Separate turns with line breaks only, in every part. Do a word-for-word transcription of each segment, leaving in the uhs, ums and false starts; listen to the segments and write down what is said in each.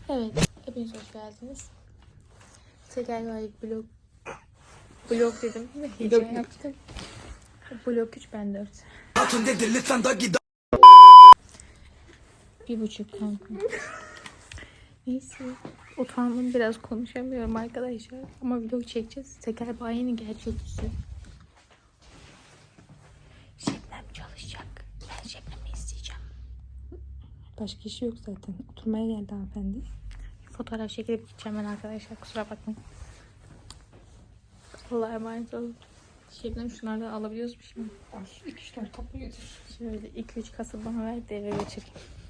Evet, hepiniz hoş geldiniz. Teker Vayık blok blok dedim. Heyecan yaptım. Blok üç, ben dört. Bir buçuk kanka. Neyse. Utandım, biraz konuşamıyorum arkadaşlar. Ama vlog çekeceğiz. Teker Bayi'nin gerçek yüzü. Şebnem çalışacak. Ben Şebnem'i isteyeceğim.
Başka işi yok zaten. Oturmaya geldi hanımefendi.
Fotoğraf çekilip gideceğim ben arkadaşlar. Kusura bakmayın. Allah'a emanet olun. Şebnem şunlardan alabiliyoruz mu şimdi?
iki üç tane kapı götür.
Şöyle iki üç kasa bana ver de eve götüreyim.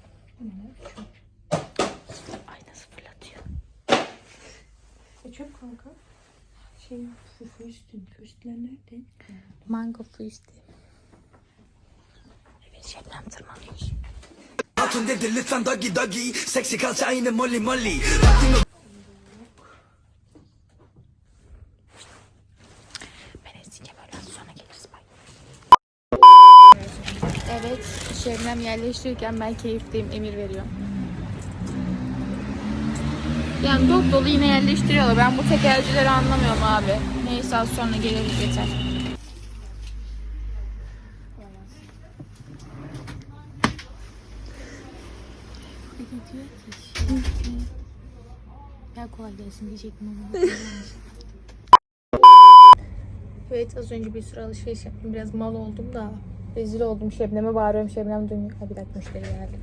Ay nasıl fırlatıyor.
E çöp kanka. Şey, füstün. Füstler nerede?
Mango füstü. Evet, Şebnem tırmanıyor.
Hatun dedi lütfen doggy doggy. Seksi kalça aynı molly molly.
Ben isteyeceğim, öyle sonra geliriz. Bye. Evet, Şebnem yerleştirirken ben keyifliyim, emir veriyorum. Yani dop dolu yine yerleştiriyorlar. Ben bu tekercileri anlamıyorum abi. Neyse, az sonra geliriz, yeter. Bir de diyor ki ya kolay gelsin diyecektim ama. Evet, az önce bir sürü alışveriş yaptım. Biraz mal oldum da rezil oldum. Şebnem'e bağırıyorum. Şebnem duymuyor. Ha, bir dakika, müşteri geldi.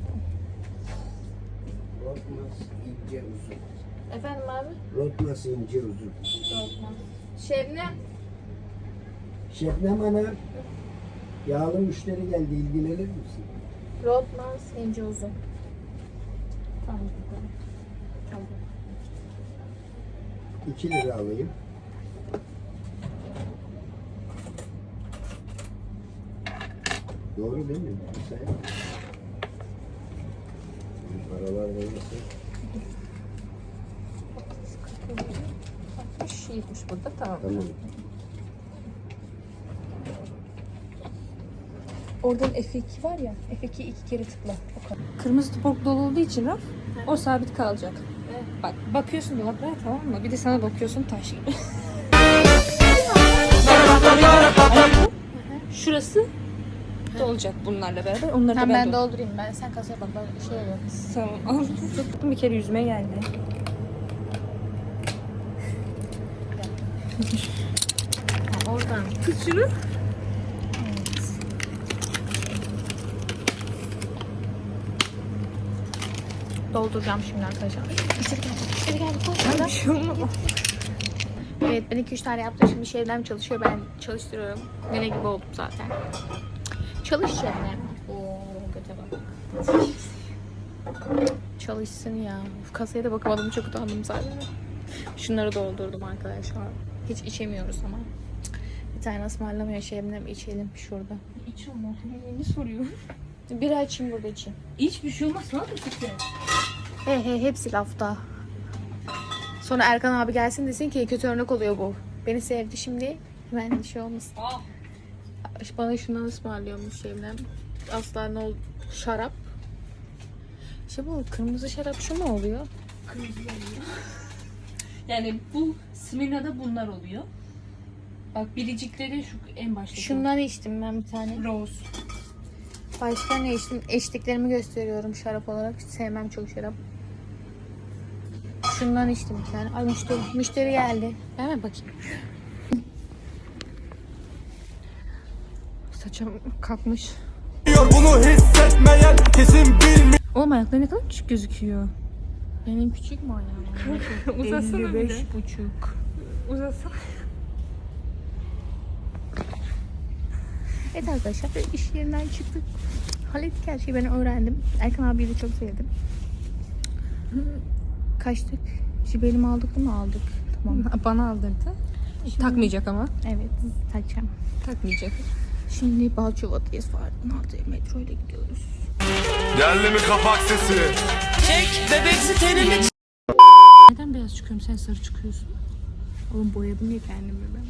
Rotmaz ince uzun.
Efendim abi?
Rotmaz ince uzun.
Rotmaz. Şebnem.
Şebnem Ana, yağlı müşteri geldi, ilgilenir misin?
Rotmaz ince uzun. Tamam. Tamam.
iki lira alayım. Doğru değil mi? Sen. Paralar verirse.
altmış yetmiş burada, tamam.
Tamam.
Oradan F iki var ya. F iki'yi iki kere tıkla. O kadar. Kırmızı topuk dolu olduğu için raf o sabit kalacak.
Evet.
Bak bakıyorsun dolaplara, tamam mı? Bir de sana bakıyorsun taş gibi. Şurası dolacak bunlarla beraber. Onları da
Tamam,
ben,
ben
dol-
doldurayım. Ben sen kasaya bak. Ben şey yok.
Tamam. Bir kere yüzüme geldi.
Oradan.
Tut şunu.
Dolduracağım şimdi arkadaşlar. İçeri gel. İçeri gel.
Ben bir şey olmadı.
Evet, ben iki üç tane yaptım. Şimdi Şebnem çalışıyor. Ben çalıştırıyorum. Nene gibi oldum zaten. Çalış Şebnem. Oo, göte bak. Çalışsın ya. Uf, kasaya da bakamadım. Çok utandım zaten. Şunları doldurdum arkadaşlar. Hiç içemiyoruz ama. Bir tane ısmarlamıyor Şebnem. İçelim şurada.
İç olma. Ne soruyor?
Bir açayım, burada içeyim.
Hiçbir şey olmaz. Ne yapıyorsun?
He he, hepsi lafta. Sonra Erkan abi gelsin desin ki kötü örnek oluyor bu. Beni sevdi şimdi. Ben bir şey olmasın.
Aa.
Bana şundan ısmarlıyormuş Şebnem. Asla ne ol şarap. İşte bu kırmızı şarap şu mu oluyor?
Kırmızı oluyor. Yani bu Smirna'da bunlar oluyor. Bak biricikleri şu en başta.
Şundan içtim ben bir tane.
Rose.
Başka ne içtim? Eşliklerimi gösteriyorum şarap olarak. Hiç sevmem çok şarap. Şundan içtim bir tane. Ay müşteri, müşteri geldi. Hemen bakayım.
Saçım kalkmış.
Bunu hissetmeyen kesin bilmiyor.
Oğlum ayakları ne kadar küçük gözüküyor.
Benim küçük mü ayağım?
Uzasana bir
elli
de.
beş buçuk.
Uzasana.
Evet arkadaşlar, iş yerinden çıktık. Hallettik her şeyi, ben öğrendim. Erkan abiyi de çok sevdim. Kaçtık. Jibelimi aldık mı? Aldık. Tamam.
Bana aldırdı.
Şimdi-
Takmayacak ama.
Evet, takacağım.
Takmayacak.
Şimdi Balçova'dayız. Fardın altıya metro ile gidiyoruz.
Geldi mi kapak sesi?
Neden beyaz çıkıyorum, sen sarı çıkıyorsun?
Oğlum boyadım ya kendimi ben.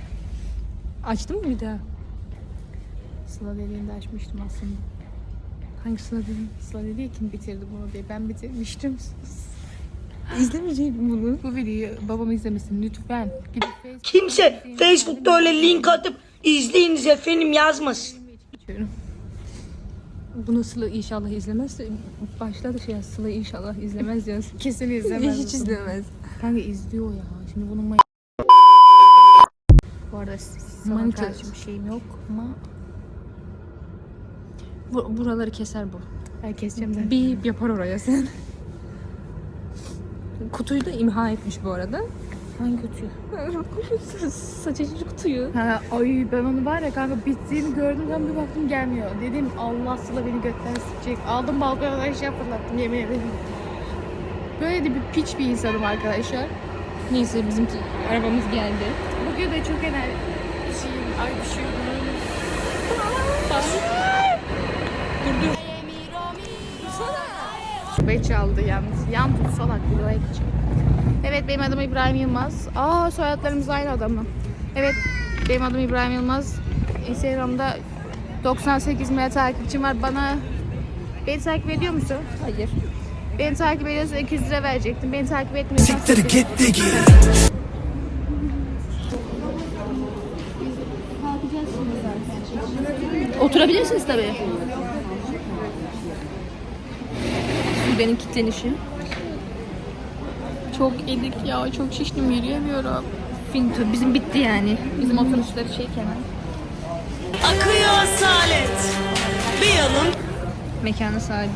Açtın mı bir daha?
Sıla dediğinde açmıştım aslında. Hangi Sıla dedim? Sıla dedi ya kim bitirdi bunu diye. Ben bitirmiştim.
İzlemeyecek bunu.
Bu videoyu babam izlemesin lütfen. Gidip Facebook
Kimse Facebook'ta öyle link atıp izleyiniz efendim yazmasın.
geçiyorum.
Bunu Sıla inşallah izlemez. Başladı şey ya, Sıla inşallah izlemez yaz.
Kesin
Ve
izlemez.
hiç izlemez.
Kanka izliyor ya. Şimdi bunun may- Bu arada sana
Manita.
karşı bir şeyim yok ama
Bu, buraları keser bu.
ben keseceğim zaten.
Bir yapar oraya sen. Kutuyu da imha etmiş bu arada.
Hangi kutuyu?
Saç açıcı kutuyu.
Ha, ay ben onu var ya kanka bittiğini gördüm ben bir baktım gelmiyor. Dedim Allah Sıla beni götten sıkacak. Aldım balkona aşağı fırlattım yemin ederim. Böyle de bir piç bir insanım arkadaşlar.
Neyse bizimki arabamız geldi.
Bugün de çok enerji şeyim, ay düşüyorum.
Dur dur.
Ve çaldı yalnız. Yan tut salak videoya geçecek. Evet benim adım İbrahim Yılmaz. Aa soyadlarımız aynı adam mı? Evet benim adım İbrahim Yılmaz. Instagram'da doksan sekiz milyon takipçim var. Bana beni takip ediyor musun?
Hayır.
Beni takip ediyorsan iki yüz lira verecektim. Beni takip etmiyorsan
Siktir git digi.
Oturabilirsiniz tabii. Benim kitlenişi.
çok edik ya. Çok şiştim yürüyemiyorum.
Finto bizim bitti yani.
Bizim oturuşları şey Kenan.
Akıyor asalet. Bir yanım
Mekanın sahibi.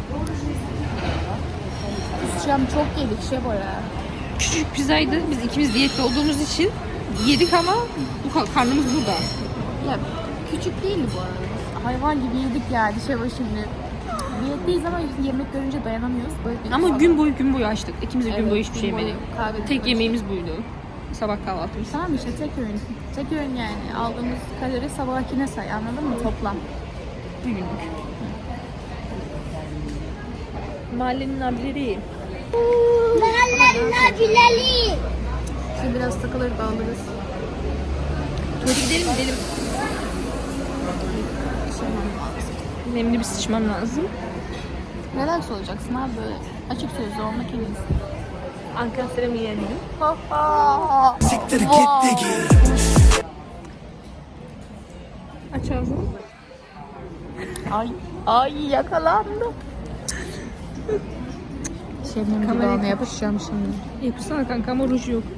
Kusacağım çok yedik şey boya.
Küçücük pizzaydı. Biz ikimiz diyette olduğumuz için yedik ama bu ka- karnımız burada.
Ya küçük değildi bu arada. Hayvan gibi yedik yani şey var şimdi. Diyetteyiz ama yemek görünce dayanamıyoruz. Böyle bir
Ama
sabah-
gün boyu gün boyu açtık. İkimiz de gün
Evet,
boyu hiçbir şey
gün boyu
yemedik.
kahve
Tek
içmek.
yemeğimiz buydu. Sabah kahvaltımız.
Tamam işte tek öğün. Tek öğün yani. Aldığımız kalori sabahkine say anladın mı? Toplam.
Bir günlük. Mahallenin abileri.
Şimdi biraz takılır dağılırız.
Tuvalete gidelim mi? Gidelim. Nemli bir sıçmam lazım.
Relax olacaksın abi böyle. Açık sözlü olmak en iyisi.
Ankara Serami'yi yedim.
Siktir git digi.
Aç ağzını.
Ay, ay yakalandım. Şebnem
Kamerayı
dudağına yapışacağım şimdi.
Yapışsana kanka ama ruj yok.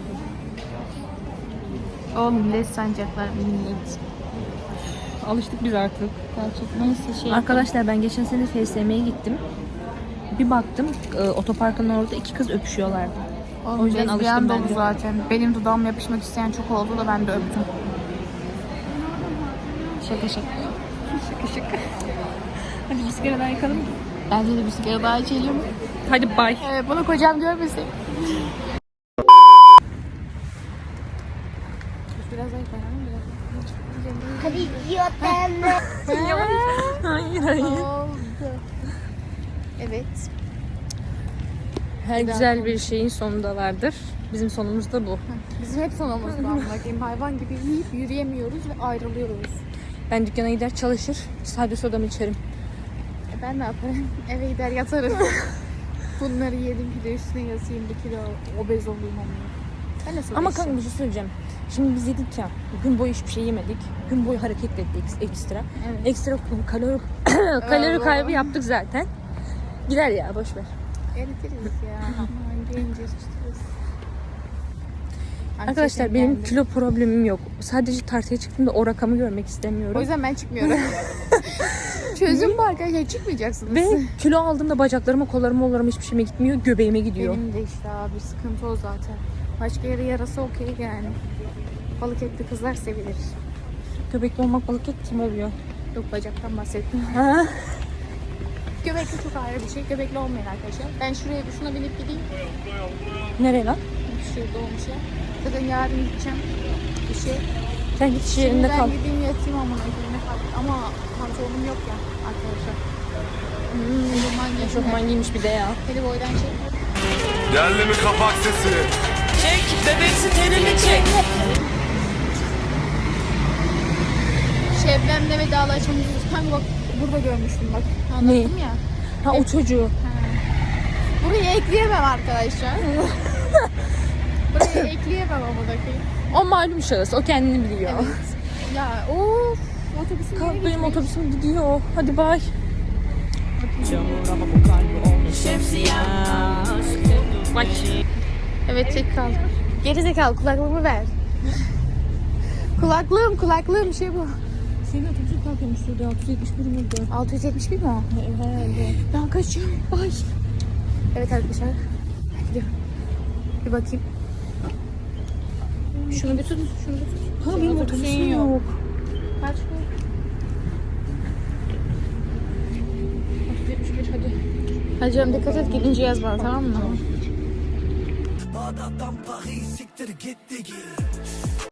O millet sancaklar millet.
Alıştık biz artık.
Gerçek neyse şey.
Arkadaşlar ben geçen sene F S M'ye gittim. Bir baktım e, otoparkın orada iki kız öpüşüyorlardı.
Oğlum,
o yüzden
lezbiyen
alıştım
dolu
ben de.
zaten. Benim dudağım yapışmak isteyen çok oldu da ben de öptüm. Şaka şaka.
Şaka şaka. Hadi bir sigara daha yakalım.
Bence de bir sigara daha içelim.
Hadi bay.
Evet, bunu kocam görmesin. Biraz daha koyalım.
hadi yiyelim.
Hayır hayır.
Oldu. Evet.
Her güzel bir şeyin sonunda vardır. Bizim sonumuz da bu.
Bizim hep sonumuz bu. Bakayım hayvan gibi yiyip yürüyemiyoruz ve ayrılıyoruz.
Ben dükkana gider çalışır, sade sodamı içerim.
E ben ne yaparım? Eve gider yatarım. Bunları yedim bir de üstüne yazayım bir kilo obez olayım ama. Ben nasıl
Ama
obezim?
kanka bir şey söyleyeceğim. Şimdi biz yedik ya, gün boyu hiçbir şey yemedik. Gün boyu hareket ettik ekstra.
Evet.
Ekstra kalori kalori kaybı yaptık zaten. Gider ya, boş ver.
Eritiriz ya. Aman gelince sıçtırırız.
Arkadaşlar
Anksiyetem
benim
geldi.
kilo problemim yok. Sadece tartıya çıktığımda o rakamı görmek istemiyorum.
O yüzden ben çıkmıyorum. Çözüm bu arkadaşlar, çıkmayacaksınız.
Ve kilo aldığımda bacaklarıma, kollarıma, kollarıma hiçbir şeyime gitmiyor. Göbeğime gidiyor.
Benim de işte abi sıkıntı o zaten. Başka yere yarası okey yani. Balık etli kızlar sevilir.
Göbekli olmak balık et kim oluyor?
Yok bacaktan bahsettim.
Ha?
Göbekli çok ayrı bir şey. Göbekli olmayan arkadaşlar. Ben şuraya şuna binip gideyim.
Nereye lan?
Şurada olmuş ya. Zaten yarın gideceğim. Bir şey.
Sen git iş
Şimdi
yerinde
ben
kal.
gideyim yatayım ama ne fark. Ama pantolonum yok ya arkadaşlar. Hmm, Eşofman
Eşofman giymiş bir de ya.
Hadi boydan şey.
Geldi mi kapak sesi?
Çek bebeksi tenini çek.
Şebnem'le vedalaşmamız. Kanka bak burada görmüştüm bak. Anlattım ya.
Ha o çocuğu.
Burayı ekleyemem arkadaşlar. Burayı ekleyemem ama buradaki.
O malum şahıs. O kendini biliyor.
Ya of. Otobüsün
Kalk
nereye
benim
gitmek?
otobüsüm gidiyor. Hadi bay. Bak.
Evet çek kal. Geri zekalı kulaklığımı ver. Kulaklığım kulaklığım şey bu.
Senin otobüsün kalkıyormuş şurada. altı yüz yetmiş bir miydi?
altı yüz yetmiş bir mi o?
Herhalde.
Ben kaçıyorum. Ay. Evet arkadaşlar. Gidiyorum. Bir bakayım. Şunu bir tut. Şunu bir tut.
Ha
Senin
benim
otobüsün
otobüsüm yok.
Kaç bu?
altı yüz yetmiş bir hadi.
Hadi canım dikkat et gidince yaz bana tamam mı?
Bağdat'tan Paris siktir gitti git